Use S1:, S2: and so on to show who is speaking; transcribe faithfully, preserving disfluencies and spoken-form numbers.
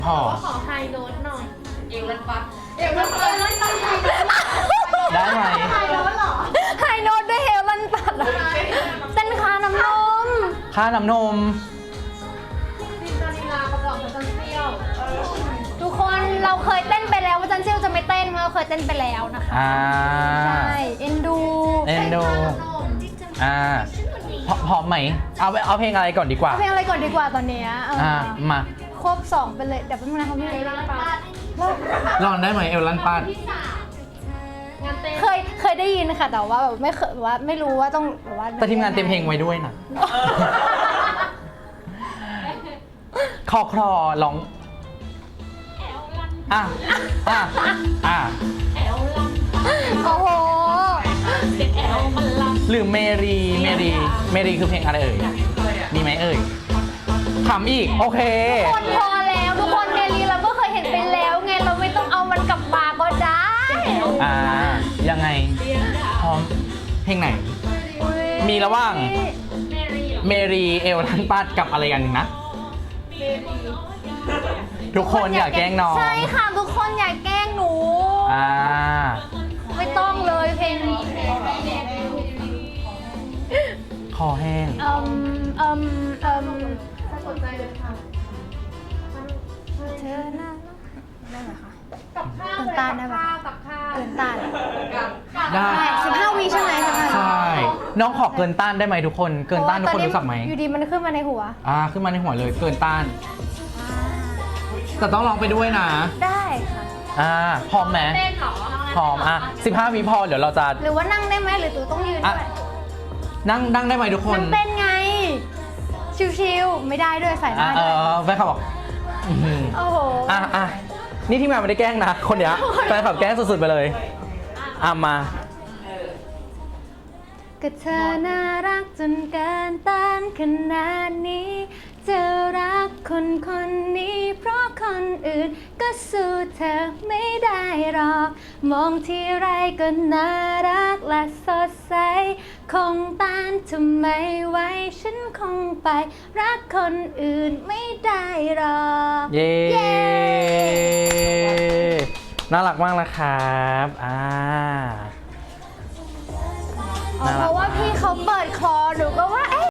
S1: พอ
S2: ขอไฮโน้ตหน่อย
S3: เอวลันปัด
S2: เดี๋ยวมันเออแล้วตั้งไฮโน้ต
S1: ได้ไหม
S2: ไฮโน้ตเหรอ
S4: ไฮโน้ตด้วยเฮลลันปัดอะเต้นคาน้ำนม
S1: ค่าน้ำนม
S2: ซินดาลีลาประกอบกับจันเซียว
S4: ทุกคนเราเคยเต้นไปแล้วว่าจันเซียวจะไม่เต้นเพราะเราเคยเต้นไปแล้วนะคะ
S1: อ่า
S4: ใช่เอ็นดู
S1: เอ็นดู อ่าพร้อมพร้อมไหม เอาเอาเพลงอะไรก่อนดีกว่า
S4: เอาเพลงอะไรก่อนดีกว่าตอนเนี้ยเออ
S1: อ่า มา
S4: ควบสองไปเลยเดี๋ยวแป๊บนึงนะคะพี่เอลันปัด
S1: ลองได้ไหมเอลลันปัด
S2: งานเต้น
S4: เคยเคยได้ยินค่ะแต่ว่าแบบไม่เคยแบบว่าไม่รู้ว่าต้องแบบว่า
S1: แต่ทีมงานเต็มเพลงไว้ด้วยนะ คอคลอร้อง อ่ะ อ่ะ อ่ะ
S4: โอ้โห
S1: หรือเมรี เมรี เมรีคือเพลงอะไรเอ่ย มีไหมเอ่ยถามอีก โอเค
S4: คนพอแล้วทุกคนเมลีเราก็เคยเห็นไปแล้วไงเราไม่ต้องเอามันกลับมาก็ได้
S1: อ่า ยังไง พร้อม เพลงไหน มีระหว่าง เมรีเอลลันปัดกับอะไรกันหนึ่งนะ ทุกคนอย่าแกล้งน้อง
S4: ใช่ค่ะทุกคนอย่าแกล้งหนู
S1: อ่า
S4: ไม่ต้องเลยเพลง
S1: คอแห้ง
S4: เอ่มเอ่มเอ่ม
S2: ถ้าสนใจเลยค่ะ
S4: เธอน่าได้ไหมคะ
S2: กับข้าว
S4: เกินต้านได้ปะ
S2: กับข้าว
S4: เกินต้าน
S1: ได้
S4: สิบห้าวิใช่ไหมสิบห้า
S1: ใช่ น้องขอเกินต้านได้ไหมทุกคน เกินต้านทุกคนรู้จักไหม
S4: อยู่ดีมันขึ้นมาในหัว
S1: อ่า ขึ้นมาในหัวเลย เกินต้าน แต่ต้องร้องไปด้วยนะ
S4: ได้ค่ะ
S1: อ่า พร้อมไหม
S2: เต้นเหรอ
S1: พร้อม อ่ะสิบห้าวิพอ เดี๋ยวเราจะ
S4: หรือว่านั่งได้ไหมหรือตูต้องยืน
S1: อ่ะ
S4: ด้วย
S1: นั่งนั่งได้ไหมทุกคน
S4: นั่งเต้นไง ชิวๆไม่ได้ด้วยใส่ห
S1: อ่ะ
S4: น้า
S1: เอ
S4: ด้วย
S1: อแฟนคลับบอกอื้อหือ
S4: โอ้โห
S1: อ่ะอ่ะนี่ที่มาไม่ได้แกล้งนะ คนเนี้ยแฟนคลับแกล้งสุดๆไปเลย อ่ะมา
S4: ก็เธอน่ารักจนเกินต้านขนาดนี้ จะรักคนคนนี้เพราะคนอื่นก็สู้เธอไม่ได้หรอก มองที่ไรก็น่ารักและสดใส คงต้านทำไมไว้ฉันคงไป รักคนอื่นไม่ได้หรอก
S1: เย้
S4: เย้
S1: น่ารักมากนะครับอ่า
S4: อ๋อเพราะว่าพี่เขาเปิดคอหนูก็ว่า